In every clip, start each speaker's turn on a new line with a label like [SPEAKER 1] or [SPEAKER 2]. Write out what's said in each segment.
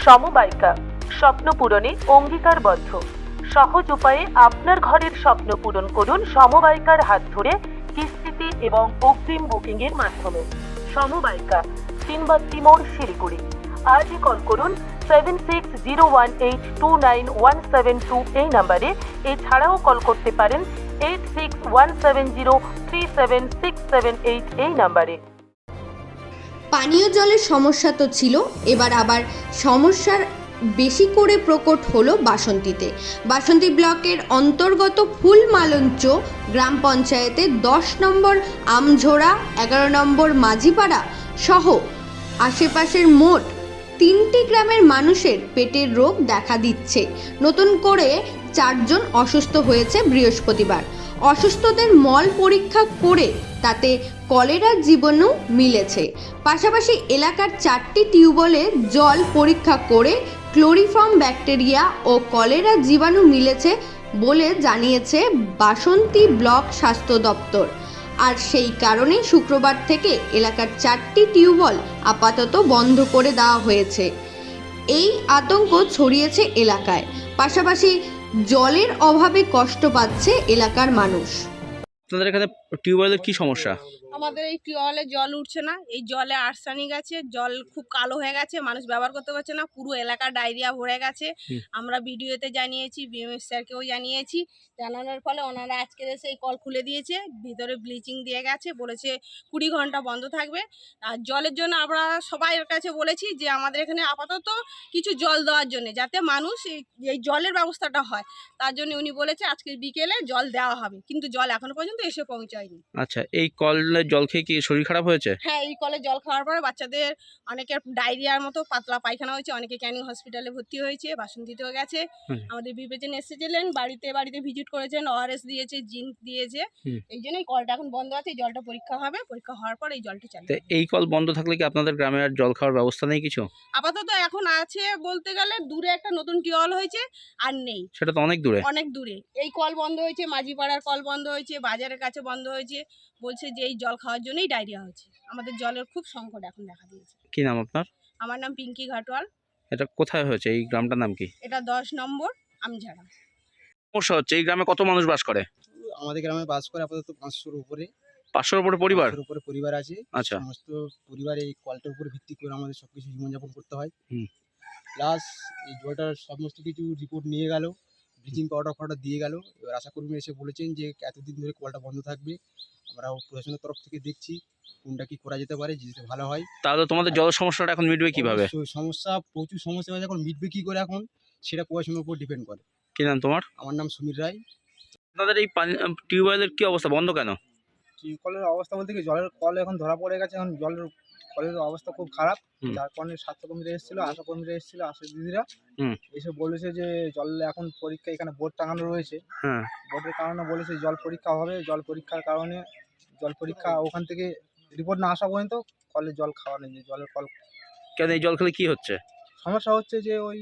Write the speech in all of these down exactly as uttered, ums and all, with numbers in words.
[SPEAKER 1] সমবায়িকা স্বপ্ন পূরণে অঙ্গীকারবদ্ধ। সহজ উপায়ে আপনার ঘরের স্বপ্ন পূরণ করুন সমবায়িকার হাত ধরে কিস্তিতে এবং অগ্রিম বুকিং এর মাধ্যমে। সমবায়িকা তিনবাত্তি মোড়, শিলিগুড়ি। আজই কল করুন seven six zero one eight two nine one seven two এই নাম্বারে। এছাড়াও কল করতে পারেন eight six one seven zero three seven six seven eight এই নাম্বারে।
[SPEAKER 2] পানীয় জলের সমস্যা তো ছিল, এবার আবার সমস্যার বেশি করে প্রকট হলো বাসন্তীতে। বাসন্তী ব্লকের অন্তর্গত ফুলমালঞ্চ গ্রাম পঞ্চায়েতের দশ নম্বর আমঝোড়া, এগারো নম্বর মাঝিপাড়া সহ আশেপাশের মোট তিনটি গ্রামের মানুষের পেটের রোগ দেখা দিচ্ছে। নতুন করে চারজন অসুস্থ হয়েছে বৃহস্পতিবার। অসুস্থদের মল পরীক্ষা করে তাতে কলেরার জীবাণু মিলেছে। পাশাপাশি এলাকার চারটি টিউবওয়েলে জল পরীক্ষা করে ক্লোরিফর্ম ব্যাকটেরিয়া ও কলেরা জীবাণু মিলেছে বলে জানিয়েছে বাসন্তী ব্লক স্বাস্থ্য দপ্তর। আর সেই কারণে শুক্রবার থেকে এলাকার চারটি টিউবওয়েল আপাতত বন্ধ করে দেওয়া হয়েছে। এই আতঙ্ক ছড়িয়েছে এলাকায়। পাশাপাশি জলের অভাবে কষ্ট পাচ্ছে এলাকার মানুষ।
[SPEAKER 3] আপনাদের এখানে টিউবওয়েলের কি সমস্যা?
[SPEAKER 4] আমাদের এই টিউবওয়েলে জল উঠছে না, এই জলে আর্সেনিক আছে, জল খুব কালো হয়ে গেছে, মানুষ ব্যবহার করতে পারছে না, পুরো এলাকা ডায়রিয়া ভরে গেছে। আমরা ভিডিওতে জানিয়েছি, বিএমএস স্যারকেও জানিয়েছি। জানানোর ফলে ওনারা আজকে এসে এই কল খুলে দিয়েছে, ভিতরে ব্লিচিং দিয়ে গেছে, বলেছে কুড়ি ঘন্টা বন্ধ থাকবে। আর জলের জন্য আমরা সবাইয়ের কাছে বলেছি যে আমাদের এখানে আপাতত কিছু জল দেওয়ার জন্য, যাতে মানুষ এই জলের ব্যবস্থাটা হয়, তার জন্য উনি বলেছে আজকে বিকেলে জল দেওয়া হবে, কিন্তু জল এখনো পর্যন্ত এসে পৌঁছায়নি।
[SPEAKER 3] আচ্ছা, এই কলের জল খেয়ে কি শরীর খারাপ হয়েছে?
[SPEAKER 4] হ্যাঁ, এই কলে জল খাওয়ার পরে বাচ্চাদের অনেকের ডায়রিয়ার মতো পাতলা পায়খানা হয়েছে, অনেকে ক্যানিং হসপিটালে ভর্তি হয়েছে, বাসন্তীতেও গেছে। আমাদের বিবেচনা এসেছিলেন, বাড়িতে বাড়িতে ভিজিট করেছেন, ওআরএস দিয়েছে, জিঙ্ক দিয়েছে। এই জন্য এই কলটা এখন বন্ধ আছে, এই জলটা পরীক্ষা হবে, পরীক্ষা হওয়ার পর এই জলটা চালু।
[SPEAKER 3] এই কল বন্ধ থাকলে কি আপনাদের গ্রামে আর জল খাওয়ার ব্যবস্থা নেই কিছু?
[SPEAKER 4] আপাতত এখন আছে বলতে গেলে, দূরে একটা নতুন টিউবওয়েল হয়েছে, আর নেই।
[SPEAKER 3] সেটা তো অনেক দূরে।
[SPEAKER 4] অনেক দূরে এই কল বন্ধ হয়েছে, মাঝিপাড়ার কল বন্ধ হয়েছে, বাজারের কাছে বন্ধ হয়েছে। বলছে যে এই জল খাওয়ার জন্যই ডায়রিয়া হচ্ছে। আমাদের জলের খুব সংকট এখন দেখা দিয়েছে।
[SPEAKER 3] কি নাম আপনার?
[SPEAKER 4] আমার নাম পিঙ্কি ঘাটওয়াল।
[SPEAKER 3] এটা কোথায় হয়েছে? এই গ্রামটার নাম কি?
[SPEAKER 4] এটা দশ নম্বর আমঝাড়া।
[SPEAKER 3] সমস্যা হচ্ছে, এই গ্রামে কত মানুষ বাস করে?
[SPEAKER 5] আমাদের গ্রামে বাস করে আপাতত পাঁচশোর উপরে।
[SPEAKER 3] পাঁচশোর উপরে পরিবার?
[SPEAKER 5] পাঁচশোর উপরে পরিবার আছে।
[SPEAKER 3] আচ্ছা।
[SPEAKER 5] সমস্ত পরিবার এই কলটার উপরে ভিত্তি করে আমাদের সবকিছু জীবনযাপন করতে হয়।
[SPEAKER 3] হুম।
[SPEAKER 5] প্লাস এই জলটার সমস্ত কিছু রিপোর্ট নিয়ে গেল, ব্লিচিং পাউডার ফাউডার দিয়ে গেল। এবার আশাকর্মী এসে বলেছেন যে এতদিন ধরে কলটা বন্ধ থাকবে। আমরা প্রশাসনের তরফ থেকে দেখছি কোনটা কি করা যেতে পারে, যেতে ভালো হয়।
[SPEAKER 3] তাহলে তোমাদের জল সমস্যাটা এখন মিটবে কিভাবে?
[SPEAKER 5] সমস্যা প্রচুর সমস্যা হয়েছে, এখন মিটবে কি করে এখন সেটা প্রশাসনের উপর ডিপেন্ড করে।
[SPEAKER 3] কি নাম তোমার?
[SPEAKER 5] আমার নাম সমীর রায়।
[SPEAKER 3] আপনাদের এই টিউবওয়েলের কি অবস্থা, বন্ধ কেন?
[SPEAKER 5] কলের অবস্থা বলতে কি, জলের কল এখন ধরা পড়ে গেছে। এখন জলের কলের অবস্থা খুব খারাপ, যার কারণে স্বাস্থ্যকর্মীরা এসেছিল, আশাকর্মীরা এসেছিল, আশা দিদিরা এসে বলেছে যে জল এখন পরীক্ষা, এখানে বোর্ড টাঙানো রয়েছে, বোর্ডের কারণে বলেছে জল পরীক্ষা হবে। জল পরীক্ষার কারণে জল পরীক্ষা ওখান থেকে রিপোর্ট না আসা পর্যন্ত কলের জল খাওয়া নেই। জলের কল
[SPEAKER 3] কেন? এই জল খেলে কি হচ্ছে?
[SPEAKER 5] সমস্যা হচ্ছে যে ওই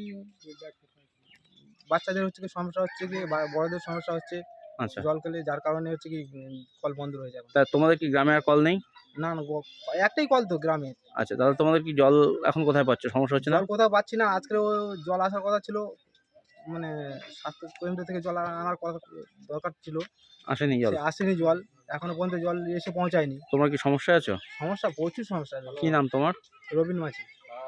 [SPEAKER 5] বাচ্চাদের হচ্ছে কি সমস্যা হচ্ছে কি, বড়দের সমস্যা হচ্ছে। আচ্ছা, জল খেলে, যার কারণে হচ্ছে কি কল বন্ধ রয়ে যাবে।
[SPEAKER 3] তা তোমাদের কি গ্রামে আর কল নেই?
[SPEAKER 5] না না, একটাই কল তো গ্রামে।
[SPEAKER 3] আচ্ছা, তাহলে তোমাদের কি জল এখন কোথায় পাচ্ছ? সমস্যা হচ্ছে না?
[SPEAKER 5] জল কোথাও পাচ্ছি না। আজকে জল আসার কথা ছিল, মানে স্বাস্থ্য কেন্দ্র থেকে জল আনার কথা দরকার ছিল,
[SPEAKER 3] আসেনি জল।
[SPEAKER 5] আসেনি জল, এখনো পর্যন্ত জল এসে পৌঁছায়নি।
[SPEAKER 3] তোমরা কি সমস্যা আছো?
[SPEAKER 5] সমস্যা, প্রচুর সমস্যা।
[SPEAKER 3] কি নাম তোমার?
[SPEAKER 5] রবিন মাঝি।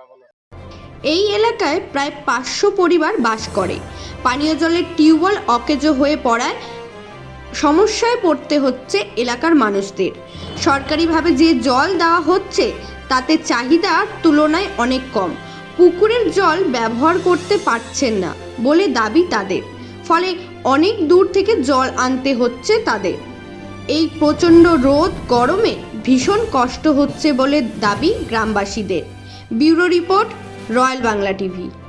[SPEAKER 2] এই এলাকায় প্রায় পাঁচশো পরিবার বাস করে। পানীয় জলের টিউবওয়েল অকেজো হয়ে পড়ায় সমস্যায় পড়তে হচ্ছে এলাকার মানুষদের। সরকারিভাবে যে জল দেওয়া হচ্ছে তাতে চাহিদার তুলনায় অনেক কম। পুকুরের জল ব্যবহার করতে পারছেন না বলে দাবি তাদের, ফলে অনেক দূর থেকে জল আনতে হচ্ছে তাদের। এই প্রচণ্ড রোদ গরমে ভীষণ কষ্ট হচ্ছে বলে দাবি গ্রামবাসীদের। Bureau report, royal Bangla TV.